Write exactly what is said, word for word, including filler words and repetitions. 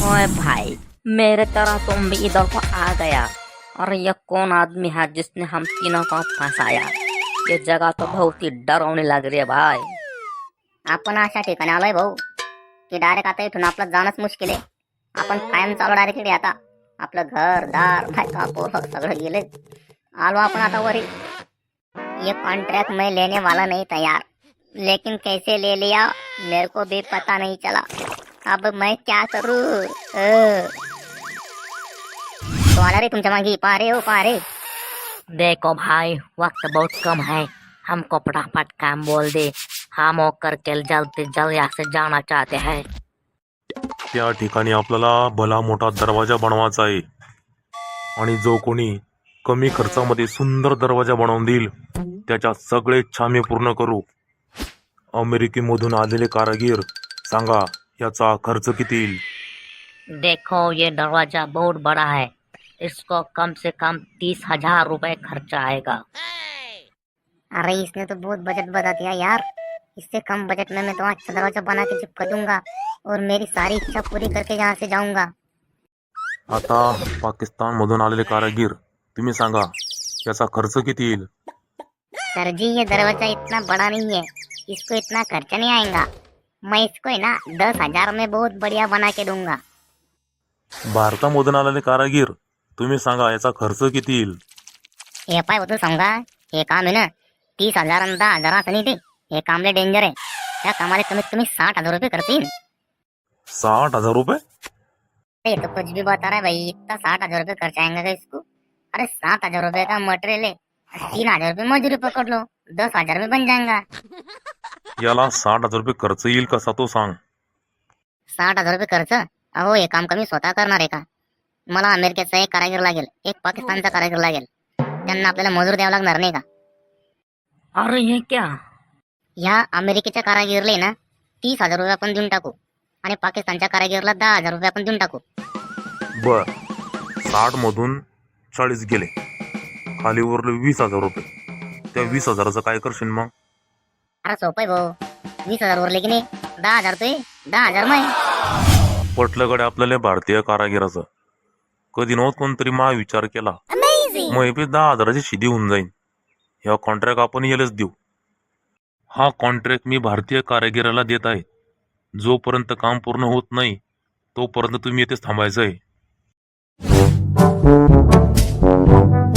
ओए भाई, मेरे तरह तुम भी इधर को आ गया। और ये कौन आदमी है जिसने हम तीनों को फंसाया? ये जगह तो बहुत ही डरावनी लग रही है भाई। आपण अशा ठिकाणी आलोय भाऊ की डायरेक्ट आता इथून आपलं जाणंच मुश्किल आहे. आपण कायम चालू डायरेक्ट इकडे आता. आपलं घर दार बायका पोरं सगळं गेले. आलो आपण आता वरी. ये कॉन्ट्रैक्ट मैं लेने वाला नहीं था यार, लेकिन कैसे ले लिया मेरे को भी पता नहीं चला. अब मैं क्या करूं? अ. तो आला रे तुमच्या मागे. पहा रे हो पहा रे. देखो भाई, वक्त बहुत कम है, हमको फटाफट काम बोल दे। हम होकर के जल्द जल्द यहाँ से जाना चाहते हैं। त्या ठिकाणी आपल्याला भला मोठा दरवाजा बनवायचा आहे आणि जो कोणी कमी खर्चामध्ये सुंदर दरवाजा बनवून देईल त्याच्या सगळे इच्छा आम्ही पूर्ण करू. अमेरिकेमधून आलेले कारागीर, सांगा याचा खर्च किती येईल? देखो ये दरवाजा बहुत बड़ा है, इसको कम से कम तीस हजार रुपए खर्चा आएगा। अरे इसने तो बहुत बजट बता दिया यार. इससे कम बजट में मैं तो अच्छा दरवाजा बना के चिपका दूंगा और मेरी सारी इच्छा पूरी करके यहाँ से जाऊंगा. आता पाकिस्तान मधून आलेले कारागीर, तुम्ही सांगा याचा खर्च किती येईल? सर जी ये दरवाजा इतना बड़ा नहीं है, इसको इतना खर्चा नहीं आएगा. मैं इसको है ना दस हजार में बहुत बढ़िया बना के दूंगा. भारतामधून आलेले कारागीर, तुम्ही सांगा याचा खर्च किती येईल? हे पाय होतं सांगा. हे काम आहे ना तीस हजार आणि दहा हजार असं नाही ते. हे कामले डेंजर आहे. त्या कामाला कमीत कमी साठ हजार रुपये खर्च येईल. साठ हजार रुपये? ये तो कुछ भी बता रहा है भाई. इतना साठ हजार रुपये खर्च आएंगे क्या इसको? अरे सात हजार रुपये का मटेरियल है, तीन हजार रुपये मजूरी पकड़ लो, दस हजार में बन जाएगा. याला साठ हजार रुपये खर्च येईल कसा तो सांग. साठ हजार रुपये खर्च? अहो हे काम कमी स्वतः करणार आहे का? मला अमेरिकेचा एक कारागीर लागेल, एक पाकिस्तानचा कारागीर लागेल. त्यांना आपल्याला मजूर द्यावं लागणार नाही का? अरे ये क्या? ह्या अमेरिकेच्या कारागीरला ना तीस हजार रुपये आपण देऊन टाकू आणि पाकिस्तानच्या कारागीरला दहा हजार रुपये आपण देऊन टाकू. बर, साठ मधून चाळीस गेले, खाली उरले वीस हजार रुपये. त्या वीस हजाराचं काय करशील मग? अरे सोपं आहे भाऊ. वीस हजार उरले की नाही, दहा हजार तो दहा हजार मग पटलंकडे आपल्याला भारतीय कारागिराचं. कधी नव्हत कोणतरी मा विचार केला. मग हे दहा हजाराची शिदी होऊन जाईल. ह्या कॉन्ट्रॅक्ट आपण यालाच देऊ. हा कॉन्ट्रॅक्ट मी भारतीय कारागिराला देत आहे. जोपर्यंत काम पूर्ण होत नाही तोपर्यंत तुम्ही येथेच थांबायचं आहे.